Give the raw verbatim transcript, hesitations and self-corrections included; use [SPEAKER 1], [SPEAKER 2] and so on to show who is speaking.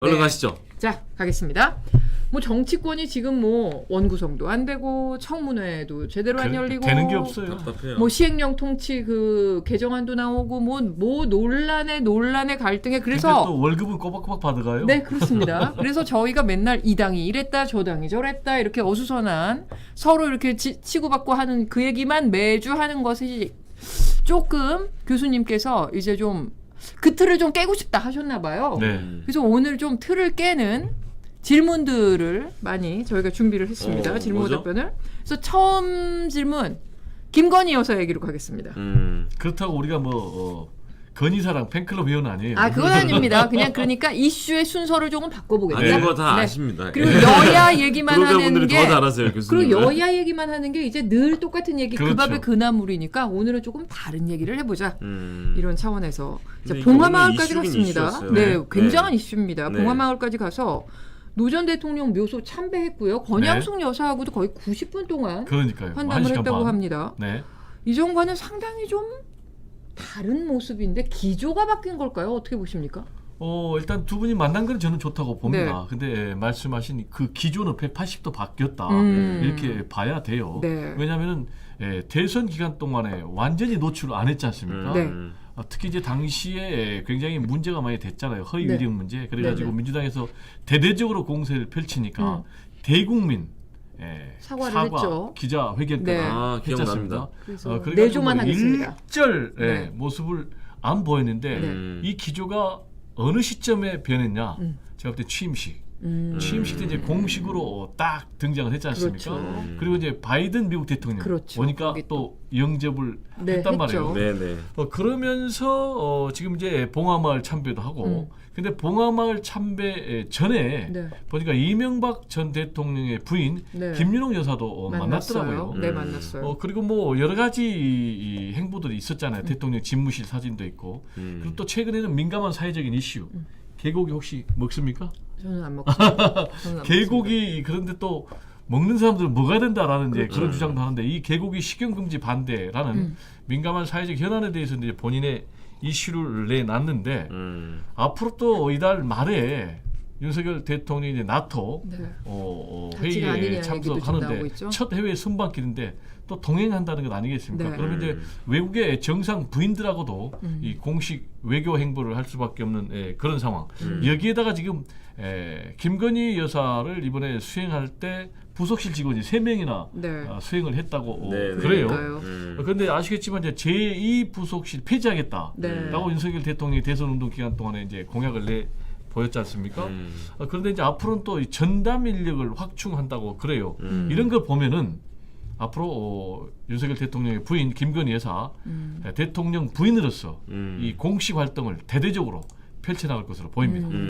[SPEAKER 1] 얼른
[SPEAKER 2] 네.
[SPEAKER 1] 가시죠.
[SPEAKER 2] 자, 가겠습니다. 뭐 정치권이 지금 뭐 원구성도 안 되고 청문회도 제대로 안
[SPEAKER 3] 그러니까
[SPEAKER 2] 열리고
[SPEAKER 3] 되는 게 없어요.
[SPEAKER 1] 답답해요.
[SPEAKER 2] 뭐 시행령 통치 그 개정안도 나오고 뭐 뭐 논란에 논란에 갈등에
[SPEAKER 3] 근데
[SPEAKER 2] 그래서
[SPEAKER 3] 또 월급은 꼬박꼬박 받아가요.
[SPEAKER 2] 네, 그렇습니다. 그래서 저희가 맨날 이 당이 이랬다 저 당이 저랬다 이렇게 어수선한 서로 이렇게 치, 치고받고 하는 그 얘기만 매주 하는 것이 조금 교수님께서 이제 좀 그 틀을 좀 깨고 싶다 하셨나 봐요.
[SPEAKER 3] 네.
[SPEAKER 2] 그래서 오늘 좀 틀을 깨는 질문들을 많이 저희가 준비를 했습니다.
[SPEAKER 1] 어,
[SPEAKER 2] 질문
[SPEAKER 1] 뭐죠?
[SPEAKER 2] 답변을. 그래서 처음 질문 김건희 여사 얘기로 가겠습니다.
[SPEAKER 1] 음.
[SPEAKER 3] 그렇다고 우리가 뭐 어, 건희사랑 팬클럽 회원 아니에요.
[SPEAKER 2] 아, 그건 아닙니다. 그냥 그러니까 이슈의 순서를 조금 바꿔보겠다.
[SPEAKER 1] 아는 거 다
[SPEAKER 2] 네.
[SPEAKER 1] 아십니다.
[SPEAKER 2] 그리고
[SPEAKER 1] 예.
[SPEAKER 2] 여야 얘기만 하는
[SPEAKER 1] 구독자분들이
[SPEAKER 2] 게
[SPEAKER 1] 더 잘하세요, 교수님.
[SPEAKER 2] 그리고 여야 얘기만 하는 게 이제 늘 똑같은 얘기
[SPEAKER 3] 그렇죠.
[SPEAKER 2] 그 밥의 그나물이니까 오늘은 조금 다른 얘기를 해보자.
[SPEAKER 1] 음.
[SPEAKER 2] 이런 차원에서 자,
[SPEAKER 1] 근데 이게
[SPEAKER 2] 봉화마을까지
[SPEAKER 1] 오늘 이슈긴
[SPEAKER 2] 갔습니다.
[SPEAKER 1] 이슈였어요.
[SPEAKER 2] 네,
[SPEAKER 1] 네.
[SPEAKER 2] 굉장한
[SPEAKER 1] 네.
[SPEAKER 2] 이슈입니다.
[SPEAKER 1] 네.
[SPEAKER 2] 봉화마을까지 가서 노 전 대통령 묘소 참배했고요. 권양숙 여사하고도 거의 구십 분 동안
[SPEAKER 3] 그러니까요. 한
[SPEAKER 2] 환담을
[SPEAKER 3] 시간
[SPEAKER 2] 했다고
[SPEAKER 3] 반.
[SPEAKER 2] 합니다.
[SPEAKER 3] 네.
[SPEAKER 2] 이전과는 상당히 좀 다른 모습인데 기조가 바뀐 걸까요? 어떻게 보십니까?
[SPEAKER 3] 어 일단 두 분이 만난 건 저는 좋다고 봅니다.
[SPEAKER 2] 네.
[SPEAKER 3] 근데 예, 말씀하신 그 기조는 백팔십 도 바뀌었다
[SPEAKER 2] 음.
[SPEAKER 3] 이렇게 봐야 돼요.
[SPEAKER 2] 네.
[SPEAKER 3] 왜냐하면은 예, 대선 기간 동안에 완전히 노출을 안 했지 않습니까?
[SPEAKER 2] 네.
[SPEAKER 1] 음.
[SPEAKER 3] 아, 특히 이제 당시에 굉장히 문제가 많이 됐잖아요. 허위
[SPEAKER 2] 네.
[SPEAKER 3] 위력 문제. 그래가지고
[SPEAKER 2] 네, 네.
[SPEAKER 3] 민주당에서 대대적으로 공세를 펼치니까
[SPEAKER 2] 음.
[SPEAKER 3] 대국민 예,
[SPEAKER 2] 사과를
[SPEAKER 3] 사과,
[SPEAKER 2] 했죠.
[SPEAKER 3] 기자회견까지
[SPEAKER 2] 네.
[SPEAKER 1] 아,
[SPEAKER 3] 했지 않습니까?
[SPEAKER 1] 기억납니다.
[SPEAKER 2] 그래서
[SPEAKER 3] 어, 그래가지고
[SPEAKER 2] 내조만
[SPEAKER 3] 뭐
[SPEAKER 2] 하겠습니다.
[SPEAKER 3] 일절 예,
[SPEAKER 2] 네.
[SPEAKER 3] 모습을 안 보였는데
[SPEAKER 2] 네.
[SPEAKER 1] 음.
[SPEAKER 3] 이 기조가 어느 시점에 변했냐?
[SPEAKER 2] 음.
[SPEAKER 3] 제가 볼 때 취임식.
[SPEAKER 2] 음.
[SPEAKER 3] 취임식 때 이제 공식으로 딱 등장을 했지 않습니까?
[SPEAKER 2] 그렇죠.
[SPEAKER 1] 음.
[SPEAKER 3] 그리고 이제 바이든 미국 대통령
[SPEAKER 2] 그렇죠.
[SPEAKER 3] 보니까
[SPEAKER 2] 거기
[SPEAKER 3] 또 영접을
[SPEAKER 2] 네,
[SPEAKER 3] 했단
[SPEAKER 2] 했죠.
[SPEAKER 3] 말이에요.
[SPEAKER 1] 네네.
[SPEAKER 3] 어, 그러면서 어, 지금 이제 봉화마을 참배도 하고
[SPEAKER 2] 음.
[SPEAKER 3] 근데 봉화마을 참배 전에
[SPEAKER 2] 네.
[SPEAKER 3] 보니까 이명박 전 대통령의 부인
[SPEAKER 2] 네.
[SPEAKER 3] 김윤옥 여사도 어,
[SPEAKER 2] 만났어요.
[SPEAKER 3] 만났더라고요.
[SPEAKER 2] 네,
[SPEAKER 1] 음.
[SPEAKER 2] 만났어요.
[SPEAKER 3] 어, 그리고 뭐 여러 가지 이, 이 행보들이 있었잖아요. 대통령 집무실 사진도 있고
[SPEAKER 1] 음.
[SPEAKER 3] 그리고 또 최근에는 민감한 사회적인 이슈
[SPEAKER 2] 음.
[SPEAKER 3] 개고기 혹시 먹습니까?
[SPEAKER 2] 저는 안 먹죠. 저는 안 먹습니다.
[SPEAKER 3] 개고기 그런데 또 먹는 사람들은 먹어야 된다라는 이제
[SPEAKER 2] 그렇죠.
[SPEAKER 3] 그런 주장도 하는데 이 개고기 식용 금지 반대라는
[SPEAKER 2] 음.
[SPEAKER 3] 민감한 사회적 현안에 대해서 이제 본인의 이슈를 내놨는데
[SPEAKER 1] 음.
[SPEAKER 3] 앞으로 또 이달 말에 윤석열 대통령이 이제 나토
[SPEAKER 2] 네.
[SPEAKER 3] 어, 어,
[SPEAKER 2] 같이가 아니냐
[SPEAKER 3] 회의에
[SPEAKER 2] 얘기도 지금 나오고
[SPEAKER 3] 참석하는데
[SPEAKER 2] 있죠.
[SPEAKER 3] 첫 해외 순방길인데 또 동행한다는 것 아니겠습니까?
[SPEAKER 2] 네.
[SPEAKER 3] 그러면 이제
[SPEAKER 1] 음.
[SPEAKER 3] 외국의 정상 부인들하고도
[SPEAKER 2] 음.
[SPEAKER 3] 이 공식 외교 행보를 할 수밖에 없는 예, 그런 상황.
[SPEAKER 1] 음.
[SPEAKER 3] 여기에다가 지금 에, 김건희 여사를 이번에 수행할 때 부속실 직원이 세 명이나
[SPEAKER 2] 네.
[SPEAKER 3] 어, 수행을 했다고 어,
[SPEAKER 1] 네, 네.
[SPEAKER 3] 그래요.
[SPEAKER 2] 그러니까요.
[SPEAKER 1] 음.
[SPEAKER 3] 어, 그런데 아시겠지만 이제 제이 부속실 폐지하겠다.
[SPEAKER 2] 네.
[SPEAKER 3] 라고 윤석열 대통령이 대선 운동 기간 동안에 이제 공약을 내 보였지 않습니까?
[SPEAKER 1] 음.
[SPEAKER 3] 어, 그런데 이제 앞으로는 또 이 전담 인력을 확충한다고 그래요.
[SPEAKER 1] 음.
[SPEAKER 3] 이런 걸 보면은 앞으로 어, 윤석열 대통령의 부인 김건희 여사
[SPEAKER 2] 음.
[SPEAKER 3] 에, 대통령 부인으로서
[SPEAKER 1] 음.
[SPEAKER 3] 이 공식 활동을 대대적으로 펼쳐나갈 것으로 보입니다.
[SPEAKER 2] 음.